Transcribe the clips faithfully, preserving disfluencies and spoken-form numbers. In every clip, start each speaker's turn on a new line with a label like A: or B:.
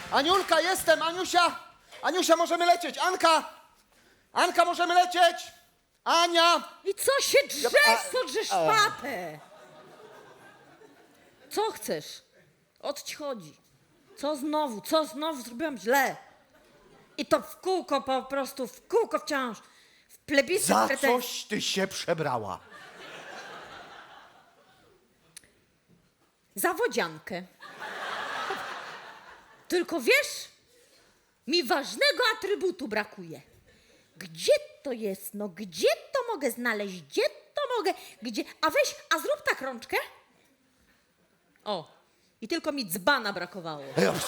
A: Aniulka, jestem, Aniusia! Aniusia, możemy lecieć! Anka! Anka, możemy lecieć! Ania!
B: I co się drzesz,
A: a-
B: co drzesz papę? Co chcesz? O co ci chodzi? Co znowu, co znowu zrobiłam źle? I to w kółko po prostu, w kółko wciąż. W plebiscyt
A: Za
B: pretensji.
A: coś ty się przebrała.
B: Za wodziankę. Tylko wiesz, mi ważnego atrybutu brakuje. Gdzie to jest? No gdzie to mogę znaleźć? Gdzie to mogę? Gdzie? A weź, a zrób tak rączkę. O, i tylko mi dzbana brakowało.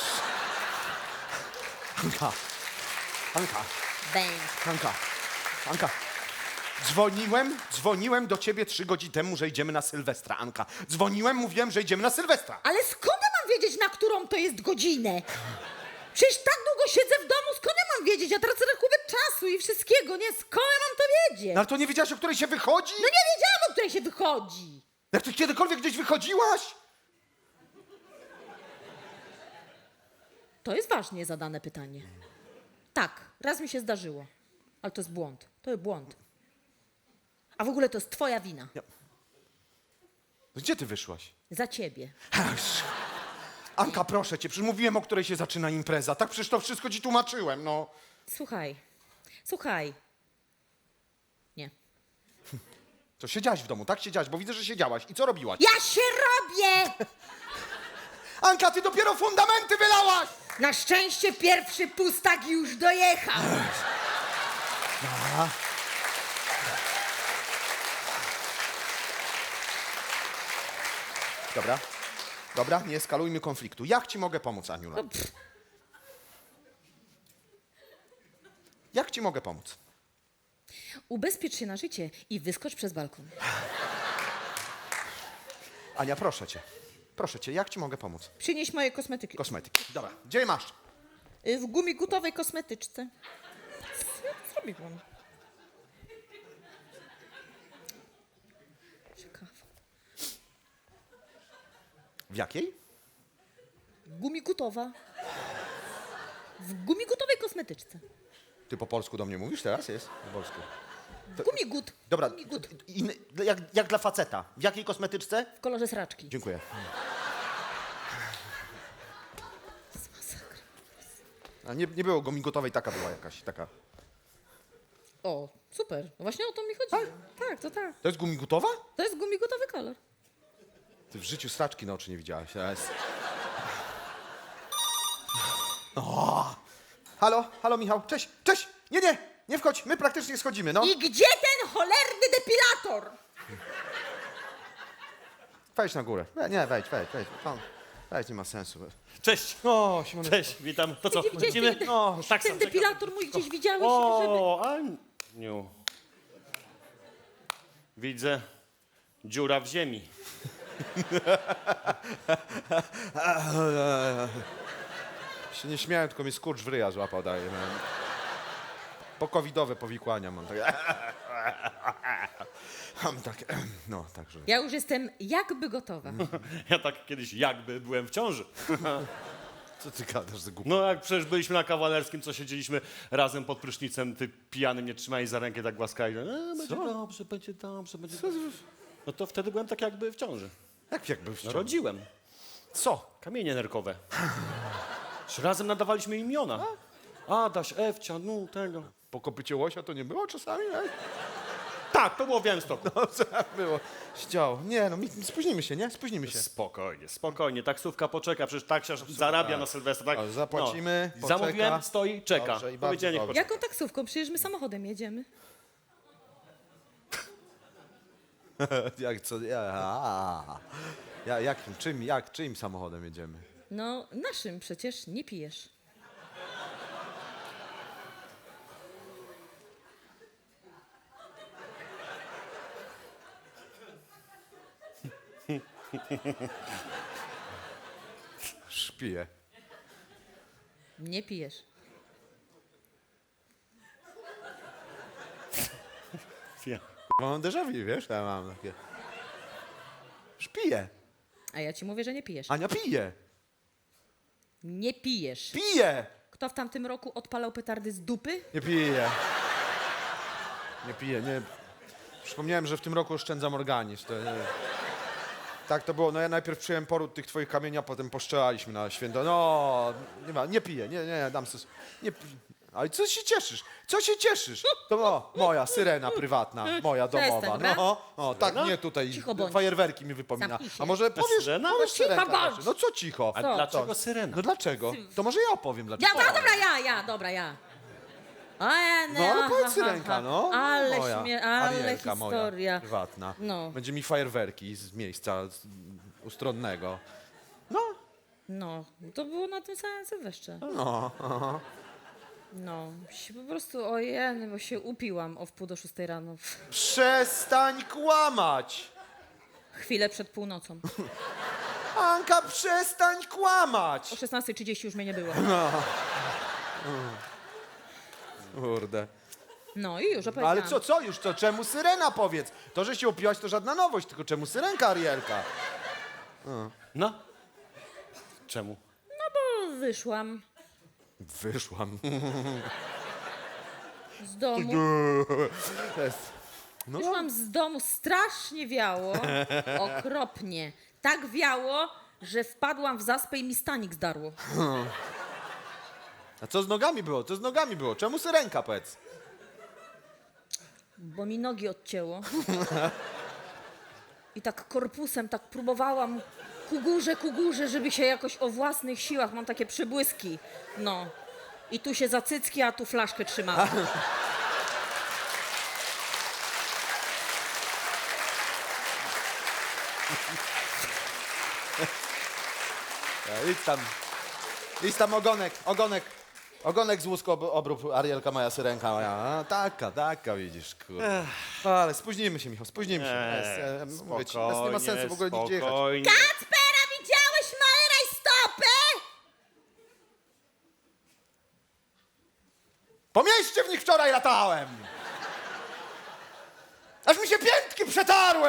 A: Anka, Anka,
B: Bęk.
A: Anka, Anka. Dzwoniłem, dzwoniłem do ciebie trzy godziny temu, że idziemy na Sylwestra, Anka. Dzwoniłem, mówiłem, że idziemy na Sylwestra.
B: Ale skąd ja mam wiedzieć, na którą to jest godzinę? Przecież tak długo siedzę w domu, skąd ja mam wiedzieć? Ja tracę rachubę czasu i wszystkiego, nie? Skąd ja mam to wiedzieć?
A: No ale to nie wiedziałaś, o której się wychodzi?
B: No nie wiedziałam, o której się wychodzi.
A: Jak ty kiedykolwiek gdzieś wychodziłaś?
B: To jest ważnie zadane pytanie. Tak, raz mi się zdarzyło, ale to jest błąd. To jest błąd. A w ogóle to jest twoja wina.
A: Gdzie ty wyszłaś?
B: Za ciebie.
A: Anka, proszę cię, przecież mówiłem, o której się zaczyna impreza. Tak przecież to wszystko ci tłumaczyłem, no.
B: Słuchaj, słuchaj. Nie.
A: To siedziałaś w domu, tak? Siedziałaś, bo widzę, że siedziałaś. I co robiłaś?
B: Ja się robię!
A: Anka, ty dopiero fundamenty wylałaś!
B: Na szczęście pierwszy pustak już dojechał.
A: Dobra, dobra, nie eskalujmy konfliktu. Jak ci mogę pomóc, Aniula?
B: No, pff,
A: Jak ci mogę pomóc?
B: ubezpiecz się na życie i wyskocz przez balkon.
A: Ania, proszę cię. Proszę cię, jak ci mogę pomóc?
B: Przynieś moje kosmetyki.
A: Kosmetyki. Dobra, gdzie je masz?
B: Y, W gumigutowej kosmetyczce. Co ja tu zrobiłam? Ciekawe.
A: W jakiej?
B: Gumigutowa. W gumigutowej kosmetyczce.
A: Ty po polsku do mnie mówisz teraz? Jest? Po polsku.
B: Gumigut.
A: Dobra,
B: Gumigut.
A: inny, jak, jak dla faceta. W jakiej kosmetyczce?
B: W kolorze sraczki.
A: Dziękuję.
B: Masakra.
A: A nie, nie było gomigotowej, taka była jakaś, taka.
B: O, super. No właśnie o to mi chodziło. Tak, to tak.
A: To jest gumigutowa?
B: To jest gumigutowy kolor.
A: Ty w życiu straczki na oczy nie widziałaś. To jest... O! Halo, halo Michał, cześć, cześć! Nie, nie, nie wchodź, my praktycznie schodzimy, no.
B: I gdzie ten cholerny depilator?
A: Wejdź na górę. We, nie, wejdź, wejdź, wejdź. No, wejdź, nie ma sensu.
C: Cześć.
A: O, Simonek.
C: Cześć, witam. To co,
B: Gdzie widziałeś
C: lecimy?
B: ten,
C: No, tak
B: ten
C: sam
B: depilator mój gdzieś widziałeś, żeby...
C: O, Aniu. Widzę dziura w ziemi.
A: Się nie śmiałem, tylko mnie skurcz w ryja złapał, daje. Mam. Pokowidowe powikłania mam. Tak. Mam tak, no, także.
B: Ja już jestem jakby gotowa.
C: Ja tak kiedyś jakby byłem w ciąży.
A: Co ty gadasz za głupie?
C: No jak przecież byliśmy na Kawalerskim, co siedzieliśmy razem pod prysznicem, ty pijany mnie trzymaj za rękę, tak głaskali. E, będzie dobrze, będzie dobrze, będzie dobrze. No to wtedy byłem tak jakby w ciąży.
A: Jak, jak był w
C: No,
A: ciąży?
C: rodziłem.
A: Co?
C: Kamienie nerkowe. Razem nadawaliśmy imiona. Adaś, Ewcia, no tego.
A: Po kopycie łosia to nie było czasami? Nie?
C: Tak, to było w Białymstoku.
A: No co było? Ściało. Nie no, mi, spóźnimy się, nie? Spóźnimy się.
C: Spokojnie, spokojnie. Taksówka poczeka, przecież taksiarz zarabia na Sylwestra. Tak?
A: O, zapłacimy,
C: No.
A: poczeka.
C: Zamówiłem, stoi, czeka.
A: Dobrze i bardzo
C: Powiedziałem, niech
A: dobrze.
C: poczeka.
B: Jaką taksówką? Przecież my samochodem jedziemy.
A: Jak co? Ja, a, ja, jakim, czym, jak, czyim samochodem jedziemy?
B: No, naszym przecież nie pijesz.
A: Szpiję.
B: Nie pijesz.
C: Ja.
A: Mam déjà vu, wiesz? Ja mam takie... Szpiję.
B: A ja ci mówię, że nie pijesz.
A: Ania pije.
B: Nie pijesz.
A: Piję!
B: Kto w tamtym roku odpalał petardy z dupy?
A: Nie piję. Nie piję, nie. Przypomniałem, że w tym roku oszczędzam organizm. To, nie. Tak to było. No ja najpierw przyjąłem poród tych twoich kamieni, a potem poszczelaliśmy na święto. No, nie ma, nie piję, nie, nie, dam sobie. Nie pi- Ale co się cieszysz? Co się cieszysz? To o, moja syrena prywatna, moja
B: Przestań,
A: domowa.
B: dobra?
A: No, o, tak
C: Syrena?
A: mnie tutaj
B: Cicho bądź.
A: fajerwerki mi wypomina.
B: Zamknij się.
A: A może powiesz,
C: syrena?
A: powiesz
B: No cicho
A: syrenka
B: bądź.
A: raczej. No co cicho?
C: A
B: Co?
C: dlaczego syrena?
A: No dlaczego? To może ja opowiem
B: Ja,
A: dlaczego.
B: dobra, dobra, ja, ja, dobra, ja. A, ja,
A: No, ale
B: aha,
A: powiedz
B: aha,
A: syrenka,
B: aha.
A: no.
B: Ale
A: moja,
B: śmie... ale
A: Arielka
B: historia.
A: moja, prywatna.
B: No.
A: Będzie mi fajerwerki z miejsca z, ustronnego. No,
B: No, to było na tym samym Sylwestrze.
A: no, aha.
B: No, się po prostu, ojej, bo się upiłam o wpół do szóstej rano.
A: Przestań kłamać!
B: Chwilę przed północą.
A: Anka, przestań
B: O
A: kłamać!
B: szesnastej trzydzieści już mnie nie było.
A: Kurde.
B: No i już
A: No,
B: opowiedziałam.
A: ale co, co już, to czemu syrena powiedz? To, że się upiłaś, to żadna nowość, tylko czemu syrenka, Arielka?
C: No. Czemu?
B: No, wyszłam
A: Wyszłam.
B: z domu.
A: Jest. No,
B: Wyszłam z domu, strasznie wiało, okropnie. Tak wiało, że wpadłam w zaspę i mi stanik zdarło.
A: a co z nogami było? Co z nogami było? Czemu syrenka, powiedz?
B: Bo mi nogi odcięło. I tak korpusem tak próbowałam ku górze, ku górze, żeby się jakoś o własnych siłach, mam takie przybłyski. No. I tu się za cycki, a tu flaszkę trzymałam.
A: E, Idź tam. Idź tam ogonek, ogonek. Ogonek z łusku ob- obrób, Arielka moja, syrenka moja. A, taka, taka, widzisz, kurde. Ale spóźnimy się, Michał, spóźnimy się.
C: Eee,
A: Jest, e, mówię ci, nas nie ma sensu w ogóle nigdzie jechać.
C: spokojnie.
B: Kacpera, widziałeś mały rajstopy?
A: Po mieście w nich wczoraj latałem! Aż mi się piętki przetarły!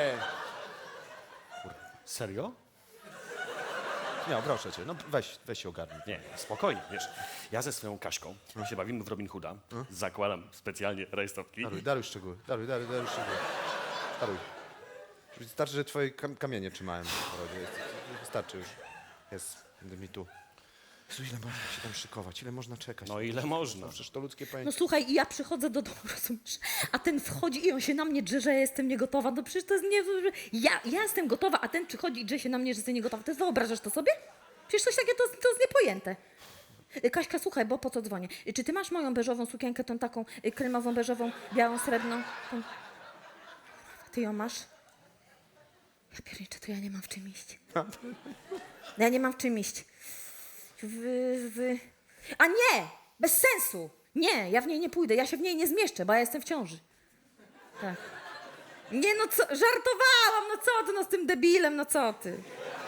C: Serio?
A: Nie, proszę cię, no weź, weź się ogarnij.
C: Nie, spokojnie, wiesz. Ja ze swoją Kaśką się bawimy w Robin Hooda. Zakładam specjalnie rajstopki.
A: Daruj, daruj szczegóły, daruj, daruj, daruj szczegóły. Daruj. Wystarczy, że twoje kam kamienie trzymałem w porodzie. Jest- Wystarczy już. Jest, będę mi tu. Jezu, ile można się tam szykować, ile można czekać?
C: No ile można?
A: No, przecież to ludzkie
B: No
A: pojęcie.
B: słuchaj, i ja przychodzę do domu, rozumiesz? A ten wchodzi i on się na mnie drze, że ja jestem niegotowa. No przecież to jest nie... Ja, ja jestem gotowa, a ten przychodzi i drze się na mnie, że jestem niegotowa. To jest, wyobrażasz to sobie? Przecież coś takiego to, to jest niepojęte. Y, Kaśka, słuchaj, bo po co dzwonię? Y, Czy ty masz moją beżową sukienkę, tą taką y, kremową, beżową, białą, srebrną? Tą... Ty ją masz? Ja pierniczę, to ja nie mam w czym iść. Ja nie mam w czym iść. Wy, wy... A nie! Bez sensu! Nie, ja w niej nie pójdę, ja się w niej nie zmieszczę, bo ja jestem w ciąży. Tak. Nie no co, żartowałam, no co ty, no z tym debilem, no co ty.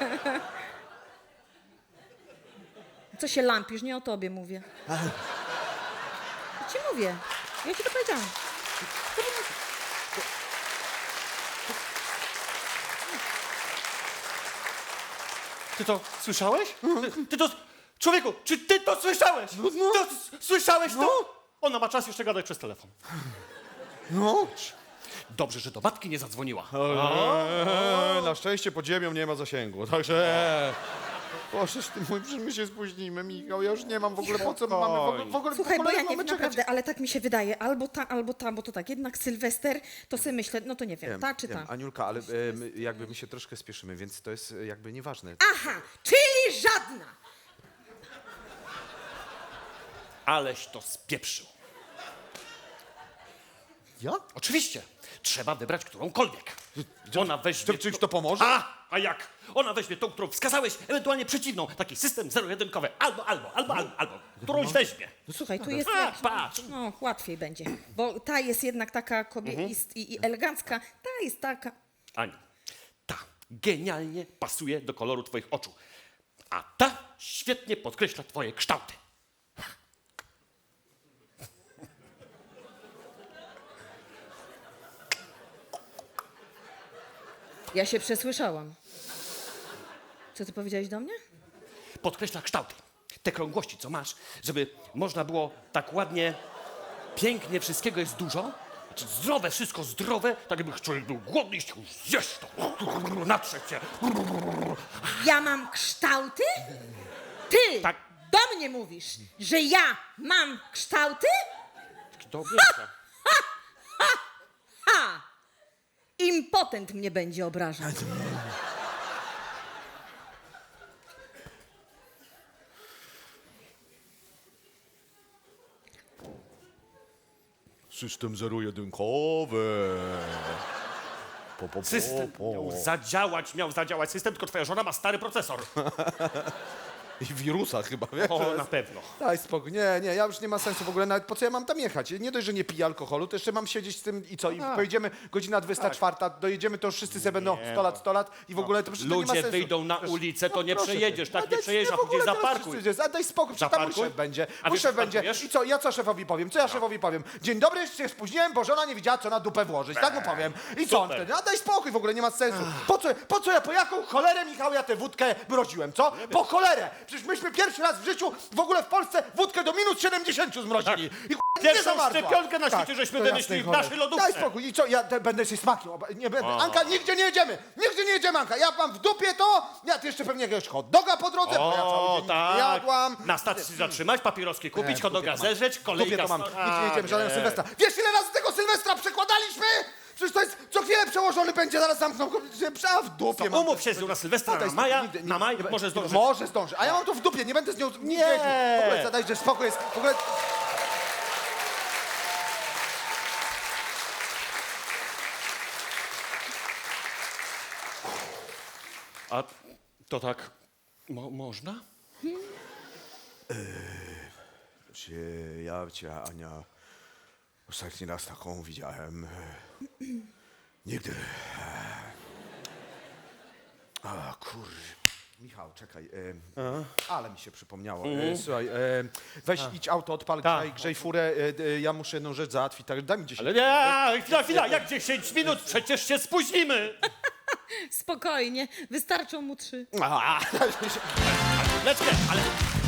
B: Co się lampisz, nie o tobie mówię. Ja ci mówię, ja ci to powiedziałam.
C: Ty to słyszałeś? Ty, ty to... Człowieku, czy ty to słyszałeś? To, s- słyszałeś to? Ona ma czas jeszcze gadać przez telefon.
A: No.
C: Dobrze, że do matki nie zadzwoniła.
A: Eee, na szczęście pod ziemią nie ma zasięgu, także... Bożeż ty mój, że my się spóźnimy, Michał, ja już nie mam w ogóle po co my mamy, w ogóle, w ogóle,
B: Słuchaj,
A: w
B: bo
A: ogóle
B: ja nie
A: mamy
B: wiem
A: czekać.
B: naprawdę, ale tak mi się wydaje, albo ta, albo ta, bo to tak, jednak Sylwester, to sobie myślę, no to nie wiem,
A: Wiem,
B: ta czy
A: wiem,
B: ta.
A: Aniulka, ale e, my, jakby my się troszkę spieszymy, więc to jest e, jakby nieważne.
B: Aha, czyli żadna.
C: Aleś to spieprzył.
A: Ja?
C: Oczywiście. Trzeba wybrać którąkolwiek. Ona weźmie...
A: Czy czymś to pomoże?
C: A, a jak? Ona weźmie tą, którą wskazałeś, ewentualnie przeciwną. Taki system zero-jedynkowy. Albo, albo, albo, albo, albo. Którąś weźmie.
B: No słuchaj, tu jest...
C: A, patrz.
B: No, łatwiej będzie, bo ta jest jednak taka kobieta i, i elegancka, ta jest taka...
C: Aniu, ta genialnie pasuje do koloru twoich oczu. A ta świetnie podkreśla twoje kształty.
B: Ja się przesłyszałam. Co ty powiedziałeś do mnie?
C: podkreśla kształty. Te krągłości, co masz, żeby można było tak ładnie, pięknie, wszystkiego jest dużo. Znaczy zdrowe, wszystko zdrowe, tak jakby człowiek był głodny i chciał zjeść to. Natrzeć się.
B: Ja mam kształty? Ty
C: Tak.
B: do mnie mówisz, że ja mam kształty?
C: Kto wie?
B: Ha! Impotent mnie będzie obrażał.
A: System zero-jedynkowy. Po, po, po,
C: System
A: po.
C: miał zadziałać, miał zadziałać system, tylko twoja żona ma stary procesor.
A: I wirusa chyba, wiesz?
C: O,
A: to
C: na
A: jest-
C: pewno.
A: Daj spokój, nie, nie, ja już nie ma sensu w ogóle, nawet po co ja mam tam jechać? Nie dość, że nie piję alkoholu, to jeszcze mam siedzieć z tym i co? I pojedziemy godzina dwudziesta czwarta, dojedziemy, to już wszyscy sobie będą sto lat, sto lat i w ogóle to przecież to nie ma
C: Ludzie
A: sensu.
C: wyjdą na
A: Przecież-
C: ulicę, to
A: no
C: nie
A: proszę
C: przejedziesz,
A: cię.
C: tak
A: A
C: nie
A: daj-
C: przejedziesz, a
A: w ogóle
C: później
A: teraz
C: zaparkuj.
A: wszyscy jest, A daj spokój, przecież tam mój
C: Zaparkuj.
A: szef będzie,
C: A
A: mój
C: wiesz,
A: szef
C: co tam
A: będzie.
C: powiesz?
A: I co, ja co szefowi powiem? Co ja szefowi powiem? Dzień dobry, się spóźniłem, bo żona nie wiedziała, co na dupę włożyć, tak mu powiem. I co on
C: Super.
A: wtedy? A daj spokój, w ogóle nie ma sensu. Po co, po co ja, po jaką cholerę, Michał, ja tę wódkę mroziłem, co? Po cholerę! Przecież myśmy pierwszy raz w życiu w ogóle w Polsce wódkę do minus siedemdziesięciu zmrozili. I ch- nie
C: Pierwszą
A: zamarzła.
C: szczepionkę na
A: Tak,
C: świecie żeśmy
A: to
C: wymyślili
A: jasnej
C: w naszej
A: cholery.
C: lodówce.
A: Daj spokój, i co, ja te, będę się smakiem, oba- nie będę. Anka, nigdzie nie jedziemy, nigdzie nie jedziemy, Anka. Ja mam w dupie to, ja ty jeszcze pewnie jakiegoś hot doga po drodze, bo ja cały
C: O,
A: dzień nie
C: tak.
A: jadłam.
C: Na stacji zatrzymać, papieroski kupić,
A: Nie,
C: hot doga
A: w dupie to mam.
C: zeżreć,
A: W
C: kolejka...
A: dupie to mam,
C: sto-
A: nigdzie nie jedziemy, żadnego
C: nie.
A: Sylwestra. Wiesz, ile razy tego Sylwestra przekładaliśmy? Przecież to jest, co chwilę przełożony będzie, zaraz zamkną, a w dupie
C: To
A: mam.
C: umów się z nią na Sylwestra,
A: A, daj
C: na
A: spokój,
C: maja,
A: nigdy-
C: na maj,
A: nie-
C: może zdążyć.
A: Może zdąży, a ja mam to w dupie, nie będę z nią nie.
C: Nie.
A: jeździł. W ogóle zadaj, że spokój jest, w ogóle...
C: A to tak mo można?
A: Cię, ja cię, Ania, ostatni raz taką widziałem. e, Nigdy. A, kur... Michał, czekaj. E, ale mi się przypomniało. E, słuchaj, e, weź idź auto, odpal,
C: Tak.
A: grzej, grzej furę. E, e, ja muszę jedną rzecz załatwić, tak daj mi dziesięć.
C: Ale nie, chwila, chwila, jak dziesięć minut? Przecież się spóźnimy.
B: Spokojnie, wystarczą mu trzy.
A: A,
C: Leczkę, ale